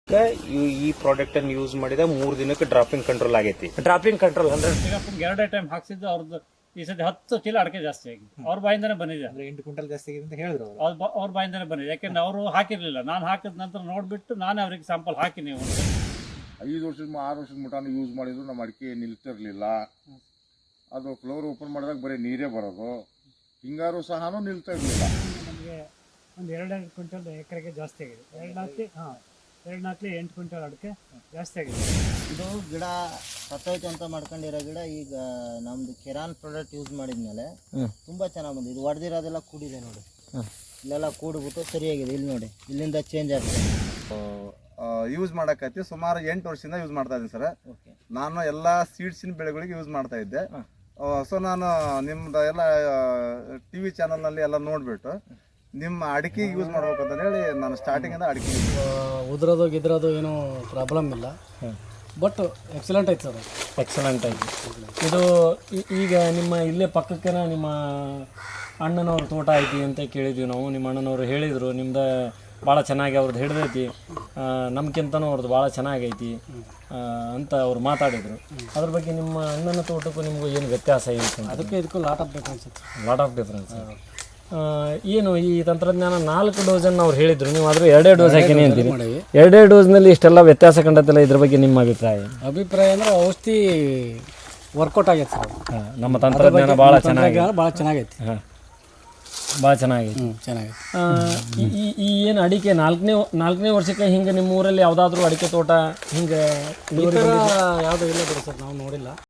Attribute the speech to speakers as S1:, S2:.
S1: ಈ ಪ್ರಾಡಕ್ಟ್ ಅನ್ನು ಯೂಸ್ ಮಾಡಿದ 3 ದಿನಕ್ಕೆ ಡ್ರಾಪಿಂಗ್ ಕಂಟ್ರೋಲ್ ಆಗೈತಿ.
S2: ಡ್ರಾಪಿಂಗ್ ಕಂಟ್ರೋಲ್ ಅಂದ್ರೆ
S3: ಎರಡೇ ಟೈಮ್ ಹಾಕ್ಸಿದ್ದು ಅವ್ರದ್ದು ಈ ಸತಿ 10 ಚೀಲ ಅಡಿಕೆ ಜಾಸ್ತಿ ಆಗಿದೆ. ಅವ್ರ ಬಾಯಿಂದನೇ ಬಂದಿದೆ.
S4: 8 ಕ್ವಿಂಟಲ್ ಜಾಸ್ತಿ ಆಗಿದೆ ಅಂತ ಹೇಳಿದ್ರು
S3: ಅವ್ರ ಬಾಯಿಂದನೇ ಬಂದಿದೆ. ಯಾಕೆಂದ್ರೆ ಅವರು ಹಾಕಿರ್ಲಿಲ್ಲ. ನಾನು ಹಾಕಿದ ನಂತರ ನೋಡ್ಬಿಟ್ಟು ನಾನೇ ಅವ್ರಿಗೆ ಸ್ಯಾಂಪಲ್ ಹಾಕಿ ನೀವು
S5: 5 ವರ್ಷದ 6 ವರ್ಷದ ಮಟಾನು ಯೂಸ್ ಮಾಡಿದ್ರು ನಮ್ಮ ಅಡಿಕೆ ನಿಲ್ತಿರ್ಲಿಲ್ಲ. ಅದು ಫ್ಲೋರ್ ಓಪನ್ ಮಾಡಿದಾಗ ಬರೀ ನೀರೇ ಬರೋದು, ಹಿಂಗಾರು ಸಹ ನಿಲ್ತಾ ಇರಲಿಲ್ಲ.
S3: ನಮಗೆ ಒಂದು 2 ಕ್ವಿಂಟಲ್ ಎಕರೆಗೆ ಜಾಸ್ತಿ ಆಗಿದೆ. 2-8 ಕ್ವಿಂಟಲ್ ಅಡಿಕೆ ಜಾಸ್ತಿ ಆಗಿದೆ.
S6: ಇದು ಗಿಡ ಸತ್ತೋಯ್ತು ಅಂತ ಮಾಡ್ಕೊಂಡಿರೋ ಗಿಡ ಈಗ ನಮ್ದು ಕೆರಾನ್ ಪ್ರಾಡಕ್ಟ್ ಯೂಸ್ ಮಾಡಿದ್ಮೇಲೆ ತುಂಬಾ ಚೆನ್ನಾಗಿ ಬಂದಿದೆ. ಇದು ಹೊಡೆದಿರೋದೆಲ್ಲ ಕೂಡಿದೆ ನೋಡಿ, ಇಲ್ಲೆಲ್ಲ ಕೂಡ್ಬಿಟ್ಟು ಸರಿಯಾಗಿದೆ. ಇಲ್ಲಿ ನೋಡಿ, ಇಲ್ಲಿಂದ ಚೇಂಜ್ ಆಗ್ತದೆ.
S7: ಯೂಸ್ ಮಾಡಕತ್ತಿ ಸುಮಾರು 8 ವರ್ಷದಿಂದ ಯೂಸ್ ಮಾಡ್ತಾ ಇದ್ದೀನಿ ಸರ್. ನಾನು ಎಲ್ಲ ಸೀಡ್ಸಿನ ಬೆಳೆಗಳಿಗೆ ಯೂಸ್ ಮಾಡ್ತಾ ಇದ್ದೆ. ಸೊ ನಾನು ನಿಮ್ದು ಎಲ್ಲ ಟಿ ವಿ ಚಾನಲ್ನಲ್ಲಿ ಎಲ್ಲ ನೋಡಿಬಿಟ್ಟು ನಿಮ್ಮ ಅಡಿಕೆ ಯೂಸ್ ಮಾಡ್ಬೇಕಂತ ಹೇಳಿ ನಾನು ಸ್ಟಾರ್ಟಿಂಗಿಂದ ಅಡಿಕೆ
S8: ಉದ್ರೋದು ಗಿದ್ರೋದು ಏನೂ ಪ್ರಾಬ್ಲಮ್ ಇಲ್ಲ. ಬಟ್ ಎಕ್ಸಲೆಂಟ್ ಐತೆ ಸರ್,
S2: ಎಕ್ಸಲೆಂಟ್ ಆಗಿ. ಇದು ಈಗ ನಿಮ್ಮ ಇಲ್ಲೇ ಪಕ್ಕಕ್ಕೇನ ನಿಮ್ಮ ಅಣ್ಣನವ್ರ ತೋಟ ಐತಿ ಅಂತ ಕೇಳಿದ್ವಿ ನಾವು. ನಿಮ್ಮ ಅಣ್ಣನವರು ಹೇಳಿದರು ನಿಮ್ದು ಭಾಳ ಚೆನ್ನಾಗಿ ಅವ್ರದ್ದು ಹಿಡ್ದೈತಿ, ನಮ್ಗಿಂತನೂ ಅವ್ರದ್ದು ಭಾಳ ಚೆನ್ನಾಗೈತಿ ಅಂತ ಅವ್ರು ಮಾತಾಡಿದರು. ಅದ್ರ ಬಗ್ಗೆ ನಿಮ್ಮ ಅಣ್ಣನ ತೋಟಕ್ಕೂ ನಿಮಗೂ ಏನು ವ್ಯತ್ಯಾಸ ಐತೆ?
S8: ಅದಕ್ಕೆ ಇದಕ್ಕೂ ಲಾಟ್ ಆಫ್ ಡಿಫ್ರೆನ್ಸ್ ಇತ್ತು.
S2: Lot of difference. ಏನು ಈ ತಂತ್ರಜ್ಞಾನ 4 ಡೋಸನ್ನು ಅವ್ರು ಹೇಳಿದರು, ನೀವು ಆದರೂ 2 ಡೋಸ್ ಹಾಕಿನಿ ಅಂತೀರಿ. 2 ಡೋಸ್ನಲ್ಲಿ ಇಷ್ಟೆಲ್ಲ ವ್ಯತ್ಯಾಸ ಕಂಡತಿಲ್ಲ. ಇದ್ರ ಬಗ್ಗೆ ನಿಮ್ಮ ಅಭಿಪ್ರಾಯ
S8: ಅಂದ್ರೆ ಔಷಧಿ ವರ್ಕೌಟ್ ಆಗೈತೆ ಸರ್.
S2: ನಮ್ಮ ತಂತ್ರಜ್ಞಾನ ಭಾಳ ಚೆನ್ನಾಗಿ
S8: ಭಾಳ ಚೆನ್ನಾಗೈತಿ.
S2: ಹಾಂ, ಭಾಳ ಚೆನ್ನಾಗೈತಿ.
S8: ಚೆನ್ನಾಗೈತಿ.
S2: ಈ ಏನು ಅಡಿಕೆ ನಾಲ್ಕನೇ ವರ್ಷಕ್ಕೆ ಹಿಂಗೆ ನಿಮ್ಮ ಊರಲ್ಲಿ ಯಾವುದಾದ್ರೂ ಅಡಿಕೆ ತೋಟ ಹಿಂಗೆ
S8: ಯಾವುದೂ ಇಲ್ಲ ಬಿಡಿ ಸರ್, ನಾವು ನೋಡಿಲ್ಲ.